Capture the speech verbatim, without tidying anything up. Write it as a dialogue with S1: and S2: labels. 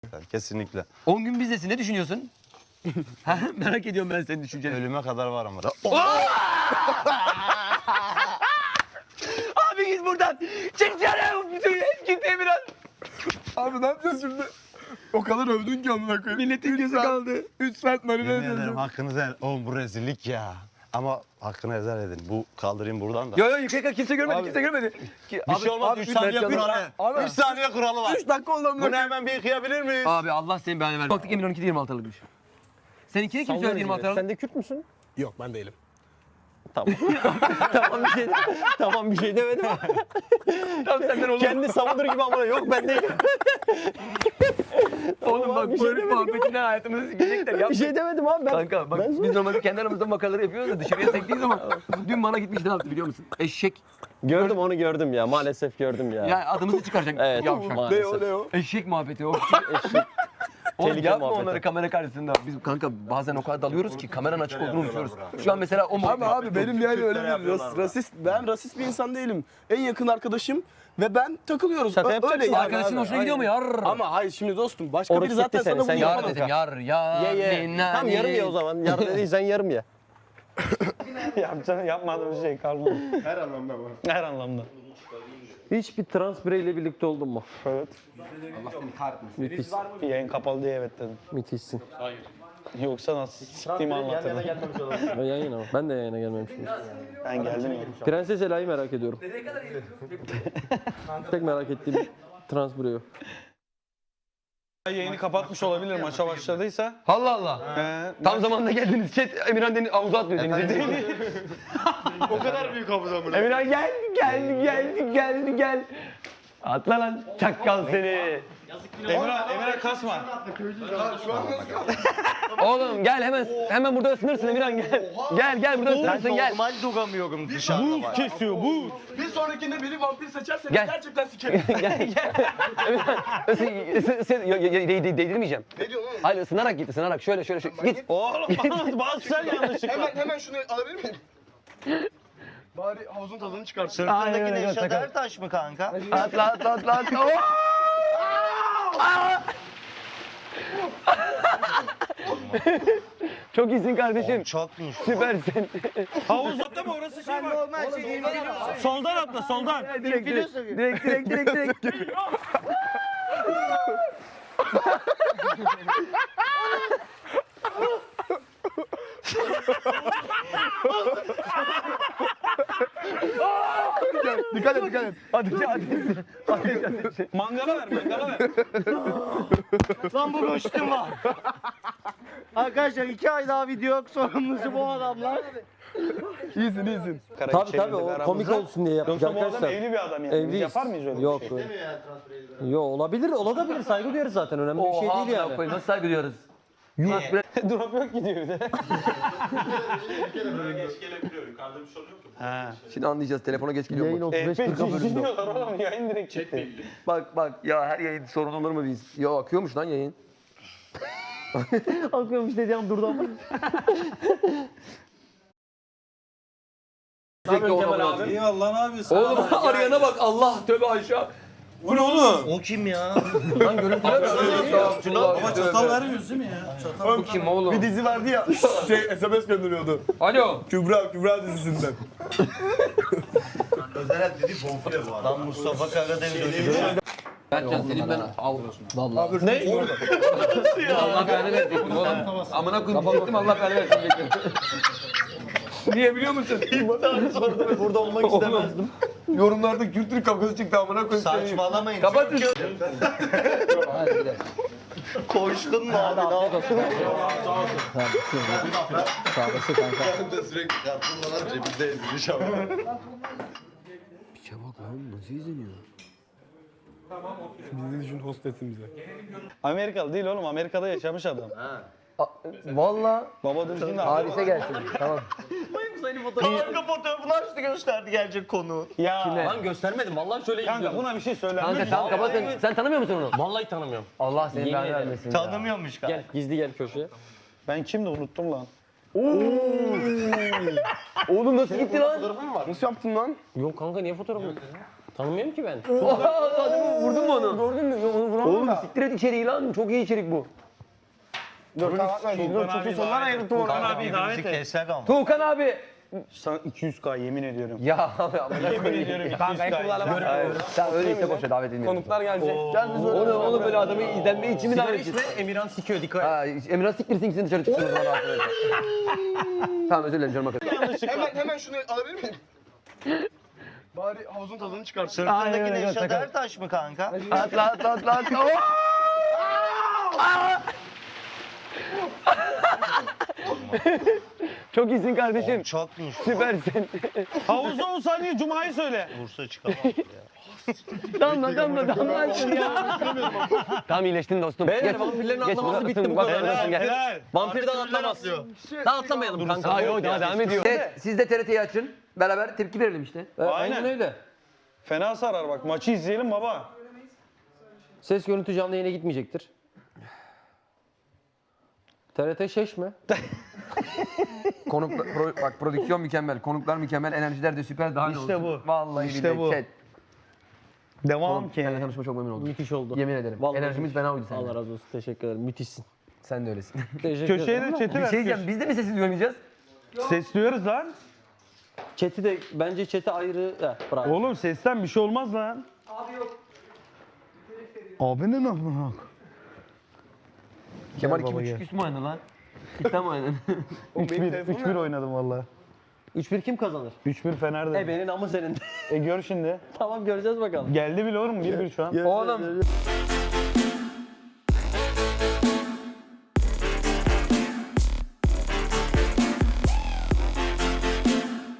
S1: Kesinlikle.
S2: on gün bizdesin, ne düşünüyorsun? Ha, merak ediyorum ben senin düşünceni.
S1: Ölüme kadar var ama.
S2: Abi git buradan. Çık dışarı. Git Emirhan.
S3: Abi ne yapacağız şimdi? O kadar övdün ki amına koyayım.
S2: Milletin
S3: Üç
S2: gözü
S3: saat-
S2: kaldı.
S3: üç saat marine
S1: Yemin ederim
S3: edeceğim.
S1: hakkınızı helal. Oğlum bu rezillik ya. Ama hakkını helal edin. Bu kaldırayım buradan da.
S2: Yo yo yıkayık kimse görmedi,
S3: Abi.
S2: kimse görmedi. Ki,
S1: Bir şey olmaz. üç saniye
S2: Mert
S1: kuralı.
S3: Abi.
S1: üç saniye kuralı var.
S3: üç dakika oldu amına
S1: Bunu
S3: koyayım.
S1: hemen bir yıkayabilir miyiz?
S2: Abi Allah senin belanı versin. Baktık Emirhan iki de yirmi altı aralıkmış. Seninkini kim söyledi yirmi altı aralık?
S4: Sen de Kürt müsün?
S3: Yok ben değilim.
S4: Tamam. tamam bir şey tamam bir şey demedim.
S2: Tamam senden olur.
S4: Kendi savunur gibi amına yok ben değilim.
S2: Oğlum bak
S4: bir şey
S2: böyle
S4: demedik
S2: muhabbetinden hayatımızı sikecekler. Yapma.
S4: Bir şey demedim abi ben.
S2: Kanka bak
S4: Ben-
S2: biz normalde kendi aramızda makaraları yapıyoruz da dışarıya sektiği zaman dün bana gitmiş ne yaptı biliyor musun? Eşek.
S4: Gördüm onu gördüm ya maalesef gördüm ya.
S2: Ya adımızı çıkaracak.
S4: Evet
S2: Yavşak.
S3: Ne
S4: maalesef.
S3: o ne o?
S2: Eşek muhabbeti o.
S4: Eşek.
S2: Oğlum
S4: Tehlike
S2: yapma
S4: muhabbeti.
S2: onları kamera karşısında. Biz kanka bazen o kadar dalıyoruz ki kameranın açık olduğunu unutuyoruz. Şu an mesela o
S3: Abi
S2: muhabbet.
S3: abi benim yani öyle bir ras- rasist, ben rasist bir insan değilim. En yakın arkadaşım ve ben takılıyoruz.
S4: Şaka
S3: Ö-
S4: yapacaksın.
S3: öyle yani
S2: Arkadaşın
S3: abi.
S2: hoşuna gidiyor mu
S3: Aynen.
S2: yar?
S3: Ama hayır şimdi dostum başka
S4: Orası
S3: biri zaten
S4: gitti seni,
S3: sana
S4: sen
S3: bunu
S2: Yar
S3: yapamaz.
S2: dedim yar yar.
S4: Ye ye.
S2: minna,
S4: Tamam yarım ye
S2: min.
S4: o zaman. Yarım dediysen yarım ye.
S5: Yapacağım, yapmadığım şey kalmadı.
S3: Her anlamda var.
S5: Her anlamda.
S4: Hiç bir trans bireyle birlikte oldun mu?
S5: Evet.
S4: Müthiş.
S5: Bir yayın kapalı diye evet dedim.
S4: Müthişsin.
S5: Yoksa nasıl siktiğimi anlatırdım.
S4: Ben yayına bak. Ben de yayına gelmemişim.
S5: Ben geldim ya.
S4: Prenses Ela'yı merak ediyorum. Tek merak ettiğim trans birey o.
S5: Yayını kapatmış olabilir maça başladıysa.
S2: Allah Allah.
S5: Ee,
S2: Tam zamanında geldiniz. Chat Emirhan deniz havuza atlıyor denize.
S1: O kadar büyük havuz amına.
S2: Emirhan geldi geldi geldi geldi gel. Atla lan çakkal seni.
S5: Emirhan, Emirhan kasma.
S2: Oğlum gel hemen hemen burada ısınırsın Emirhan gel. Gel gel burada ısınırsın gel.
S1: Normal duramıyorum dışarıda var.
S5: Kesiyor bu.
S3: Bir sonrakinde biri vampir seçerse
S2: Gel.
S3: gerçekten sikerim.
S2: gel gel. Emirhan ısın, ısın, ısın, yo- yo- de- de- değdirmeyeceğim.
S3: Ne diyorsun oğlum?
S2: Hayır ısınarak git ısınarak şöyle şöyle şöyle git.
S5: Oğlum bazı sen yanlışlıkla.
S3: Hemen hemen şunu alabilir miyim? Bari havuzun tadını çıkarsın.
S2: Aynen
S1: Sırtındaki
S2: öyle,
S1: Neşet
S2: sakın.
S1: Ertaş mı kanka?
S2: Atla atla atla atla. Oo! Aa! Çok iyisin kardeşim.
S1: Çokmuş.
S2: Süpersin.
S5: Havuzda mı orası şey var? Soldan atla soldan.
S2: direkt, direkt, direkt, direkt, direkt, direkt.
S3: Dikkat et dikkat et.
S2: Hadi hadi.
S5: Mangala ver mangala ver.
S1: Lan bu boşluğum var. Arkadaşlar iki ay daha video yok sorumlusu bu adamlar.
S3: İyisin iyisin.
S4: Tabii tabii o komik olsun diye yapacak
S5: Yoksa bu adam
S4: arkadaşlar.
S5: evli bir adam yani. Biz
S4: Evliyiz.
S5: yapar mıyız öyle
S4: Yok,
S5: bir şey?
S4: Yok olabilir, olabilir. Saygı duyarız zaten. Önemli bir şey
S2: Oha
S4: değil
S2: amına
S4: yani.
S2: koyayım, nasıl saygı duyuyoruz? Yuh bre.
S5: Drop yok gidiyor bir de.
S1: Ha.
S2: Şimdi anlayacağız telefona geç geliyor
S4: Yayın
S2: mu?
S4: otuz beş
S5: F beş
S4: kırka bölümde.
S5: izliyorlar oğlum yayın direkt çıktı.
S2: Bak bak ya her yayın sorun olur mu biz? Ya akıyormuş lan yayın.
S4: Akıyormuş dediğim durdu ama.
S2: Sürekli ona bulaşıyor.
S5: Eyvallah ne yapıyorsun?
S2: Oğlum arayana bak Allah tövbe aşağı.
S5: Bu ne oğlum?
S1: O kim ya?
S2: Lan görüntüler
S5: Ama çatal vermiyoruz değil mi ya? Çatal.
S2: Bu kim oğlum?
S3: Bir dizi vardı ya şey S M S gönderiyordu.
S2: Alo.
S3: Kübra Kübra dizisinden.
S1: Özel dedi bonfile bu adam. Lan Mustafa Karadeniz ölüyor.
S2: Berkcan senin ben al.
S4: Vallahi.
S3: Ne?
S2: Allah belanı versin oğlum. Amına koyayım diyecektim Allah belanı versin diyecektim. Niye biliyor musun?
S1: Burada olmak istemezdim.
S2: Yorumlarda kültür kavgası çıktı amına koyayım.
S1: Saçmalamayın.
S2: Kapatın.
S1: Koştun mu abi? Ne yapıyorsun?
S4: Sağlısı kanka.
S1: Ben de sürekli kartınlar cebimde ezilmiş ama.
S2: Piçe bak lan nasıl izleniyor?
S3: Bizi düşün hostesimize.
S5: Amerikalı değil oğlum. Amerika'da yaşamış adam.
S2: Valla
S5: Baba düzgün de
S2: Harise gelsin. Tamam.
S1: Kanka fotoğrafını açtı gösterdi gelecek konu.
S5: Ya.
S4: Lan göstermedim. Vallahi şöyle
S5: Kanka buna bir şey söyle.
S2: Kanka tamam kapatın. Sen tanımıyor musun onu?
S4: Vallahi tanımıyorum.
S2: Allah senin
S4: Yemin
S2: belanı
S4: ederim.
S2: vermesin.
S1: Tanımıyormuş kanka.
S4: Gel gizli gel köşeye.
S5: Ben kimdi unuttum lan.
S2: Oğlum nasıl gitti lan?
S3: Nasıl yaptın lan?
S4: Yok kanka niye fotoğraf yok? Tanımıyorum ki ben.
S2: Vurdun mu onu?
S3: Gördün mü? Onu vuramadım
S2: Oğlum
S3: da.
S2: siktir et içeriği lan. Çok iyi içerik bu.
S3: Dur kapatma. Dur çok iyi sorular ayırttım onu.
S5: Abi davet et.
S1: Keser ama.
S2: Tuğkan abi.
S5: Sana iki yüz K yemin ediyorum.
S2: Ya abi amına
S5: Yemin
S2: koyayım.
S5: ediyorum iki yüz
S3: Kanka
S5: K.
S3: kullanamaz.
S2: Hayır. Sen öyle iste boşa davet edilmiyorum.
S3: Konuklar gelecek. Gel biz öyle.
S2: Onu oğlum böyle adamı izlenme için mi
S4: Sigara
S2: davet
S4: içme,
S2: ediyorsun?
S4: Emirhan sikiyor dikkat et.
S2: Ha, Emrah siktirsin gitsin dışarı çıksın o zaman rahatsız eder. Tamam özür dilerim canım arkadaşım.
S3: Hemen hemen şunu alabilir miyim? Bari havuzun tadını çıkarsın.
S1: Sırtındaki Nevşat Ertaş mı kanka?
S2: Atla atla atla atla. Oo! Çok iyisin kardeşim.
S1: Çok güçlü.
S2: Süpersin.
S5: Havuzda on saniye Cuma'yı söyle.
S1: Bursa çıkamaz ya.
S2: Damla damla damla ya. Tamam iyileştin dostum.
S4: Beyler vampirlerin atlaması bitti bu kadar.
S5: Helal
S4: Gel.
S5: helal.
S4: Vampirden atlamaz. Daha atlamayalım kanka.
S2: Hayır o daha devam ediyor. Evet, siz de T R T'yi açın. Beraber tepki verelim işte.
S4: Aynen.
S5: Aynen.
S4: öyle.
S5: Fena sarar bak. Maçı izleyelim baba.
S4: Ses görüntü canlı yayına gitmeyecektir. T R T şeş mi?
S2: Konuk, pro- bak prodüksiyon mükemmel, konuklar mükemmel, enerjiler de süper. Daha ne
S5: İşte
S2: olsun?
S5: bu.
S2: Vallahi
S5: İşte
S2: billahi
S5: bu.
S2: chat.
S5: Devam ki.
S2: Seninle tanışma çok memnun oldum.
S4: Müthiş oldu.
S2: Yemin ederim.
S4: Vallahi
S2: Enerjimiz fena uydu seninle.
S4: Allah razı olsun. Teşekkür ederim. Müthişsin.
S2: Sen de öylesin.
S4: Teşekkür
S5: Köşeye
S4: ederim.
S5: de chat'i
S2: Bir
S5: ver.
S2: şey diyeceğim, biz de mi sessiz duymayacağız?
S5: Sesliyoruz lan.
S4: Chat'i de bence chat'i ayrı. Heh, bravo.
S5: Oğlum sesten bir şey olmaz lan. Abi yok. Abi ne lan?
S2: Kemal
S5: baba,
S2: iki buçuk
S5: gel.
S2: üst mü oynadı lan? Cidden mi oynadı?
S5: üç bir üç bir oynadım valla.
S4: üç bir kim kazanır?
S5: üç bir Fener'de.
S4: E benim amı senin.
S5: E gör şimdi.
S4: Tamam göreceğiz bakalım.
S5: Geldi bile oğlum bir bir şu an.
S2: Oğlum